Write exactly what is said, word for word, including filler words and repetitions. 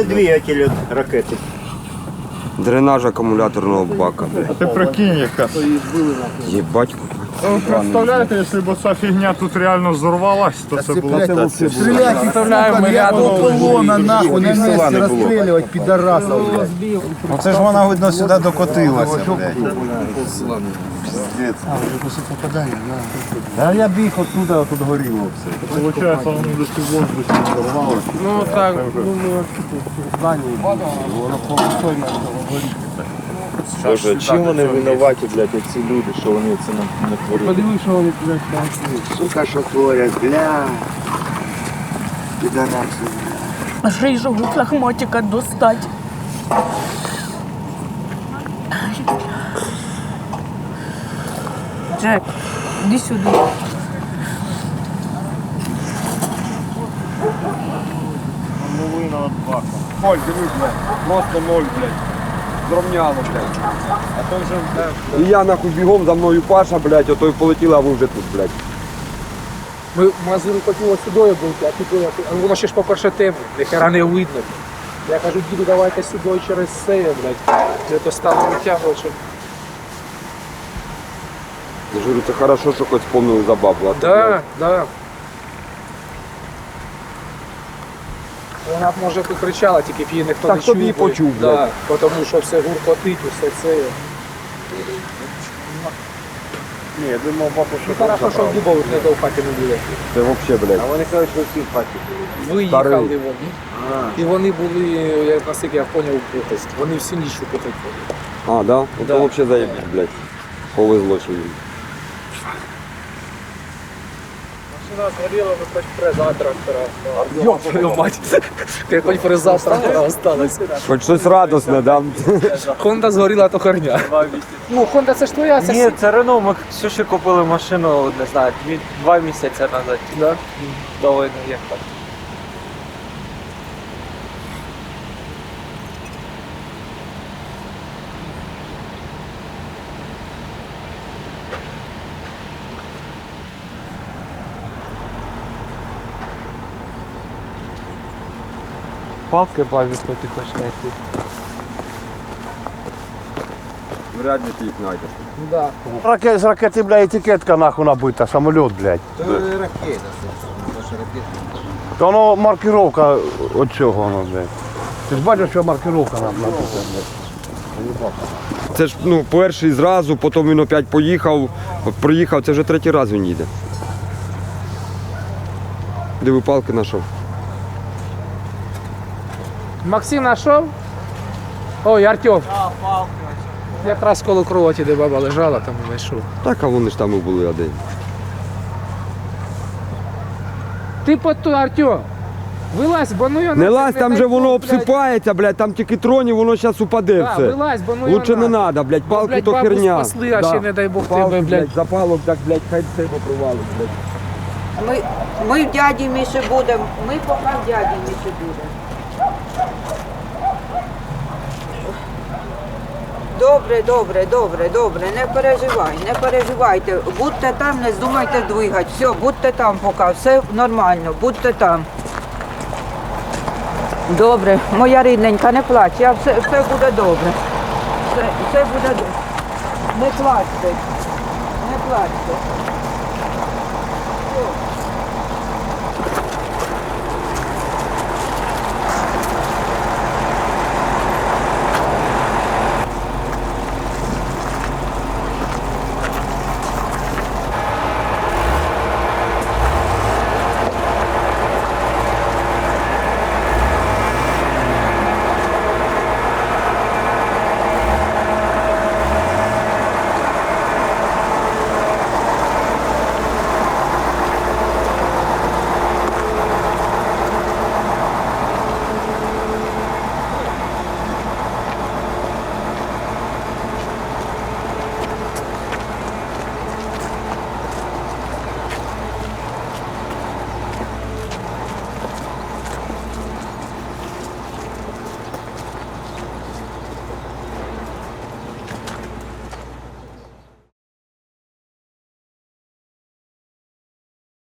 це двигатель від ракети. Дренаж акумуляторного бака. А ти прикинь, яка. Єбать. Ви представляєте, якщо б ця фігня тут реально взорвалась, то це було б... Стрелять, сука, я до полона, нахуй, на месте расстреливать пидорасов, блядь. Оце ж вона, видно, сюди докотилася, блядь. А я біг оттуда, отут горіло все. Получається, вони десь у воздухі взорвали. Ну так, думаю, в здании воно полосойно горить. Боже, чим вони винуваті, блядь, ці люди, що вони це не творять? Подиви, що вони, блядь, там. Сука, що творять, бля. Підараси. Рыжего лохмотика достать. Джек, иди сюда. Половина від бака. Ноль, дивись, блядь. Просто ноль, блядь. Зровняло, блядь. А то вже... І я нахуй бігом, за мною Паша, блядь, ото й полетіла, а ви вже тут, блядь. Ми в магазин хотіли сюди бути, а тут воно ще ж по-перше темно, ніхера не видно. Я кажу, діду, давайте сюди через це, блядь. Я то стало витягувати, щоб... Я ж говорю, це хорошо, що хоч вспомнили за бабу. а то, Да, блядь, да. Вона б, може, покричала, тільки б її ніхто Так не тобі чув. і почув, да, тому що все гуркотить, усе це. Ні, я думав, бабу, Ну, хорошо, що в дубових не до хаті не буде. Це взагалі, блядь. Вони кажуть, що всі в хаті. Виїхали Старий. вони. І вони були, як наскільки я зрозумів, вони всі ніч купити. А, да? Да. Ото взагалі заєбіть, блядь. Повезло, що їм. Машина згоріла, ви хоч фреза трактора. Йоп, твою мать. Ти хоч фреза трактора осталась. Хоч щось радосне, да? Хонда згоріла, то херня. Ну, Хонда це ж твоя, це Ні, це Рено, ми Ксюші купили машину, не знаю, дві, два місяці назад. Да. До війни, як так. Палки бабі, хто ти хочеш знайти. Вряд ли ти їх знайдеш. Да. Ракет, з ракети, блядь, етикетка нахуй набита, самоліт, блядь. Це ракета. То воно маркировка от цього, воно, блядь. Ти ж бачиш, що маркировка нам написана, блядь. Це ж, ну, перший зразу, потім він опять поїхав, проїхав, це вже третій раз він їде. Диви, палки знайшов. Максим знайшов? Ой, Артем. Якраз коло кроваті, де баба лежала, там і знайшов. Так, а вони ж там і були один. Ти по ту, Артем. Вилазь, бо ну я Не лазь, там же воно обсипається, блядь, там тільки троні, воно зараз упаде Да, все. вилазь, бо ну його Лучше не надо. треба, блядь, Ну, палки блядь, то бабу херня. спасли, а ще, не дай Бог, Палки, тебе, блядь. запалок, так, блядь, хай все попривалить, блядь. Ми, ми в дяді Міші будемо, ми поки в дяді Міші будемо. Добре, добре, добре, добре, не переживай, не переживайте. Будьте там, не здумайте двигати. Все, будьте там поки, все нормально, будьте там. Добре, моя рідненька, не плач, я все, все буде добре. Все, все буде добре. Не плачте, не плачте.